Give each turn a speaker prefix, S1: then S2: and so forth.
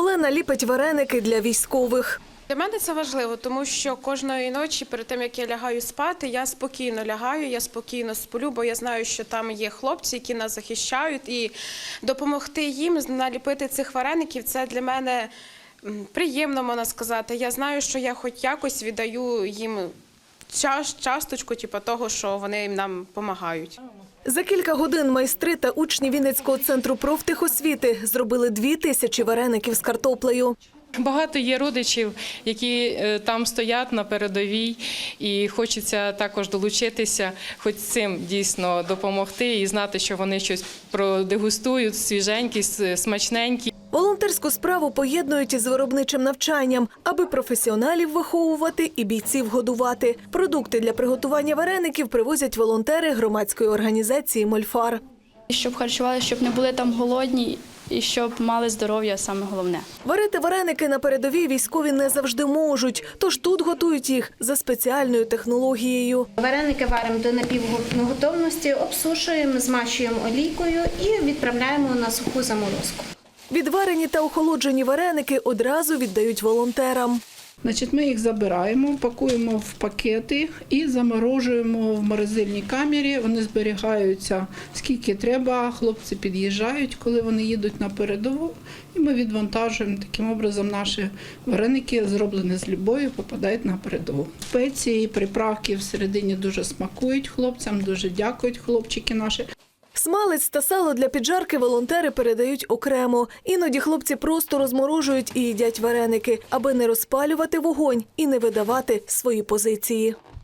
S1: Олена ліпить вареники для військових.
S2: Для мене це важливо, тому що кожної ночі перед тим, як я лягаю спати, я спокійно лягаю, я спокійно сплю, бо я знаю, що там є хлопці, які нас захищають, і допомогти їм наліпити цих вареників – це для мене приємно, можна сказати. Я знаю, що я хоч якось віддаю їм часточку того, що вони нам допомагають.
S1: За кілька годин майстри та учні Вінницького центру профтехосвіти зробили 2000 вареників з картоплею.
S3: Багато є родичів, які там стоять на передовій, і хочеться також долучитися, хоч цим дійсно допомогти і знати, що вони щось продегустують, свіженькі, смачненькі.
S1: Волонтерську справу поєднують із виробничим навчанням, аби професіоналів виховувати і бійців годувати. Продукти для приготування вареників привозять волонтери громадської організації «Мольфар».
S4: Щоб харчувалися, щоб не були там голодні і щоб мали здоров'я, саме головне.
S1: Варити вареники на передовій військові не завжди можуть, тож тут готують їх за спеціальною технологією.
S5: Вареники варимо до напівготовності, обсушуємо, змащуємо олійкою і відправляємо на суху заморозку.
S1: Відварені та охолоджені вареники одразу віддають волонтерам.
S6: Ми їх забираємо, пакуємо в пакети і заморожуємо в морозильній камері. Вони зберігаються скільки треба, хлопці під'їжджають, коли вони їдуть на передову. І ми відвантажуємо. Таким образом наші вареники, зроблені з любов'ю, попадають на передову. Спеції, приправки всередині дуже смакують хлопцям, дуже дякують хлопчики наші.
S1: Смалець та сало для піджарки волонтери передають окремо. Іноді хлопці просто розморожують і їдять вареники, аби не розпалювати вогонь і не видавати свої позиції.